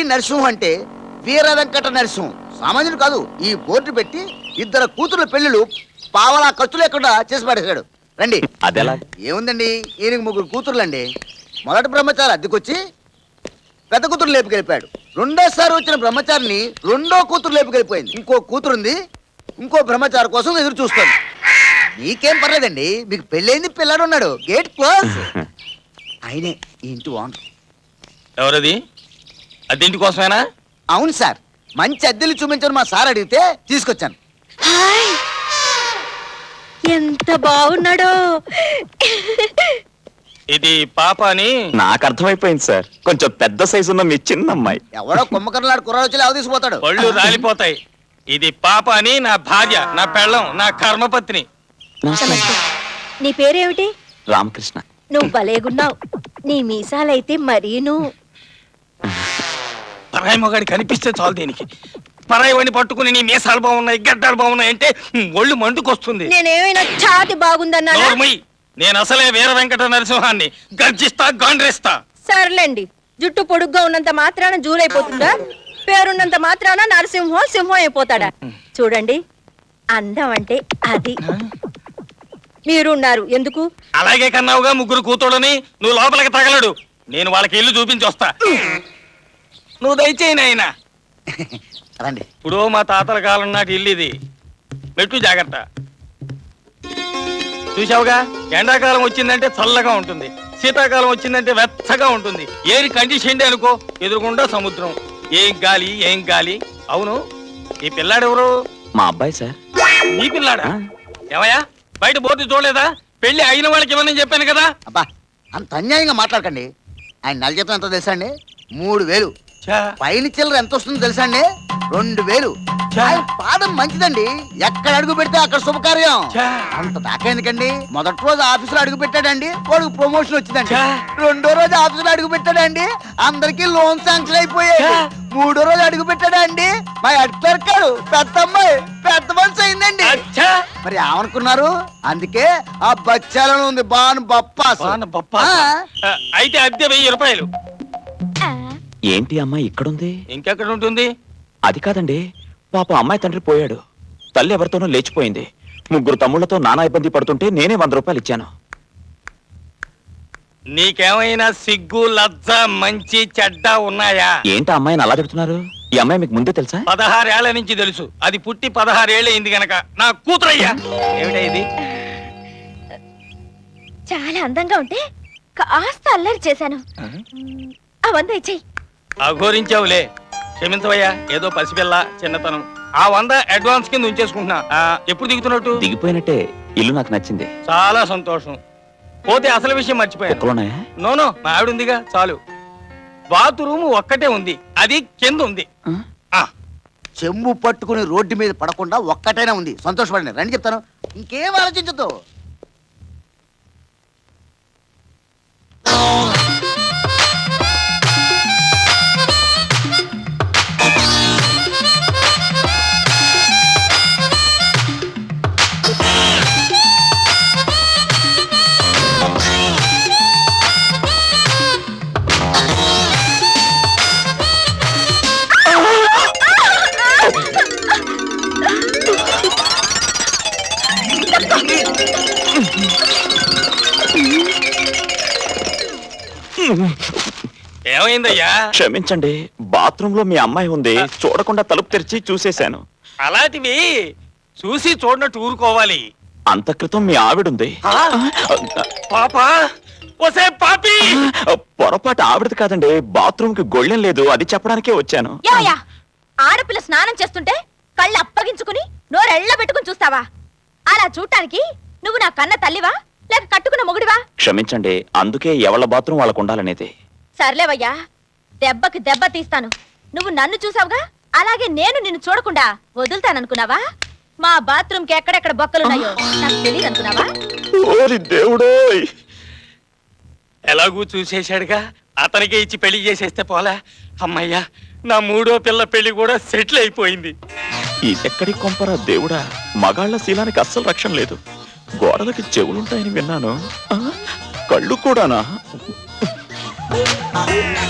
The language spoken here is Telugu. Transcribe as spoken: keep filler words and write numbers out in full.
నరసింహం అంటే వీర వెంకట నరసింహం సామాన్యుడు కాదు. ఈ బోర్డు పెట్టి ఇద్దరు కూతుర్ల పెళ్లిళ్ళు పావలా ఖర్చు లేకుండా చేసి పడేశాడు. రండి. అదెలా? ఏముందండి, ఈయనకి ముగ్గురు కూతుర్లండి. మొదటి బ్రహ్మచారి అద్దెకొచ్చి పెద్ద కూతురు లేపుకెళ్ళిపోయాడు. రెండోసారి వచ్చిన బ్రహ్మచారిని రెండో కూతురు లేపుకెళ్ళిపోయింది. ఇంకో కూతురుంది, ఇంకో బ్రహ్మచారి కోసం ఎదురు చూస్తుంది. మీకేం పర్లేదండి, మీకు పెళ్ళైంది, పిల్లాడు ఉన్నాడు. Gate close. ఆయనే ఈ ఇంటి ఓనర్. ఎవరది? అద్దెంటి కోసమేనా? అవును సార్, మంచి అద్దెలు చూపించని మా సార్ అడిగితే తీసుకొచ్చాను. ఎంత బాగున్నాడో. ఇది పాప అని నాకు అర్థమైపోయింది సార్. కొంచెం పెద్ద సైజు ఉన్న మీ చిన్న అమ్మాయి. ఎవడో కుమ్మకర్లాడు కుర్రాడు వచ్చి లేవ తీసుకుపోతాడు. పళ్ళు రాలిపోతాయి. ఇది పాప అని నా భార్య, నా పెళ్ళం, నా కర్మపత్ని. నీ పేరేమిటి? రామకృష్ణ. నువ్వు భలేగున్నావు. నీ మీసాలైతే మరీను. పరాయి మొగాడి కనిపిస్తే చాలు దీనికి. పరాయి వాడిని పట్టుకుని నీ మీసాలు బాగున్నాయి, గడ్డాలు బాగున్నాయి అంటే ఒళ్ళు మండుకొస్తుంది. నేనేమైనా ఛాతి బాగుందన్నా? నేను అసలే వీర వెంకట నరసింహాన్ని. గర్జిస్తా, గాండ్రేస్తా. సర్లేండి, జుట్టు పొడుగ్గా ఉన్నంత మాత్రాన జూలైపోతుందా? పేరున్నంత మాత్రాన నరసింహం సింహం అయిపోతాడా? చూడండి, అందం అంటే అది. మీరున్నారు ఎందుకు? అలాగే కన్నావుగా ముగ్గురు కూతుడని. నువ్వు లోపలికి తగలడు, నేను వాళ్ళకి ఇల్లు చూపించి వస్తా. నువ్వు దయచేయి నాయనా. రండి. ఇప్పుడు మా తాతల కాలం నాటి ఇల్లు ఇది. మెట్టు జాగ్రత్త. చూసావుగా, ఎండాకాలం వచ్చిందంటే చల్లగా ఉంటుంది, శీతాకాలం వచ్చిందంటే వెచ్చగా ఉంటుంది. ఏరి కండిషన్ అనుకో, ఎదురుకుండా సముద్రం. ఏం గాలి, ఏం గాలి. అవును, ఈ పిల్లాడెవరు? మా అబ్బాయి సార్. నీ పిల్లాడా? ఏమయ్యా, బయట బోర్డు చూడలేదా? పెళ్లి అయిన వాళ్ళకి ఇవ్వనని చెప్పాను కదా. అబ్బా, అంత అన్యాయంగా మాట్లాడకండి. ఆయన నెల జీతం ఎంతో తెలుసా అండి? మూడు వేలు. పైన చిల్లర ఎంత వస్తుందో తెలుసా అండి? రెండు వేలు. పాదం మంచిదండి, ఎక్కడ అడుగు పెడితే అక్కడ శుభకార్యం. అంత దాకా ఎందుకండి? మొదటి రోజు ఆఫీసులో అడుగు పెట్టాడండి, వాడికి ప్రమోషన్ వచ్చిందండి. రెండో రోజు ఆఫీసులో అడుగు పెట్టాడండి, అందరికి లోన్ శాంక్షన్ అయిపోయాయి. మూడో రోజు అడుగు పెట్టాడండి, మా హెడ్ క్లర్క్ గారు పెద్ద అమ్మాయి పెద్ద మనిషి అయిందండి. మరి ఏమనుకున్నారు? అందుకే ఆ బచ్చాలను ఉంది బాను బప్పాస్. అయితే అద్దె వెయ్యి రూపాయలు. ఏంటి అమ్మాయి ఇక్కడుంది? ఇంకెక్కడ ఉంటుంది? అది కాదండి, పాప అమ్మాయి తండ్రి పోయాడు, తల్లి ఎవరితోనో లేచిపోయింది. ముగ్గురు తమ్ముళ్లతో నానా ఇబ్బంది పడుతుంటే నేనే వంద రూపాయలు ఇచ్చాను. నీకేమైనా సిగ్గు, లజ్జ, మంచి చెడ్డ ఉన్నాయా? ఏంటి అమ్మాయిని అలా తిడుతున్నారు? ఈ అమ్మాయి మీకు ముందే తెలుసా? పదహారేళ్ల నుంచి తెలుసు. అది పుట్టి పదహారేళ్ళు అయింది గనక నా కూతురయ్యా. ఏమిటా ఇది? చాలా అందంగా ఉంటే కాస్త అల్లరి చేశాను. ఆ వంద ఇచ్చేయి. అఘోరించావులే, క్షమించవయ్యా. ఏదో పసిపిల్ల, చిన్నతనం. ఆ వంద అడ్వాన్స్ కింద ఉంచేసుకుంటున్నా. ఎప్పుడు దిగుతున్నట్టు? దిగిపోయినట్టే. ఇల్లు నాకు నచ్చింది. చాలా సంతోషం. పోతే అసలు విషయం మర్చిపోయాను. నోనో, మా ఆవిడ ఉందిగా, చాలు. బాత్రూమ్ ఒక్కటే ఉంది, అది కింద ఉంది. చెంబు పట్టుకుని రోడ్డు మీద పడకుండా ఒక్కటైనా ఉంది. సంతోషపడండి. రండి చెప్తాను, ఇంకేం ఆలోచించదు. ఏమైందయ్యా? క్షమించండి, బాత్రూమ్ లో మీ అమ్మాయి ఉంది, చూడకుండా తలుపు తెరిచి చూసేశాను. అలాంటివి చూసి చూడనట్టు ఊరుకోవాలి. అంత క్రితం మీ ఆవిడుంది. పాపా, ఒసే పాపి! పొరపాటు ఆవిడది కాదండి, బాత్రూమ్ కి గొళ్ళెం లేదు, అది చెప్పడానికే వచ్చాను. ఆడపిల్ల స్నానం చేస్తుంటే కళ్ళు అప్పగించుకుని నోరెళ్ళ పెట్టుకుని చూస్తావా? అలా చూడటానికి నువ్వు నా కన్న తల్లివా లేక కట్టుకున్న మొగుడివా? క్షమించండి, అందుకే ఎవళ్ళ బాత్రూమ్ వాళ్ళకు ఉండాలనేది. సర్లేవయ్యా, దెబ్బకి దెబ్బ తీస్తాను. నువ్వు నన్ను చూసావుగా, అలాగే నేను నిన్ను చూడకుండా వదులుతాననుకున్నావా? మా బాత్రూమ్ కి ఎక్కడెక్కడ బొక్కలున్నాయో నాకు తెలియదు అనుకున్నావా? దేవుడోయ్, ఎలాగూ చూసేశాడుగా, అతనికే ఇచ్చి పెళ్లి చేసేస్తే పోలా. అమ్మయ్యా, నా మూడో పిల్ల పెళ్లి కూడా సెటిల్ అయిపోయింది. ఇదెక్కడి కొంపరా దేవుడా, మగాళ్ల శీలానికి అస్సలు రక్షణ లేదు. గోడలకి చెవులుంటాయని విన్నాను, కళ్ళు కూడానా?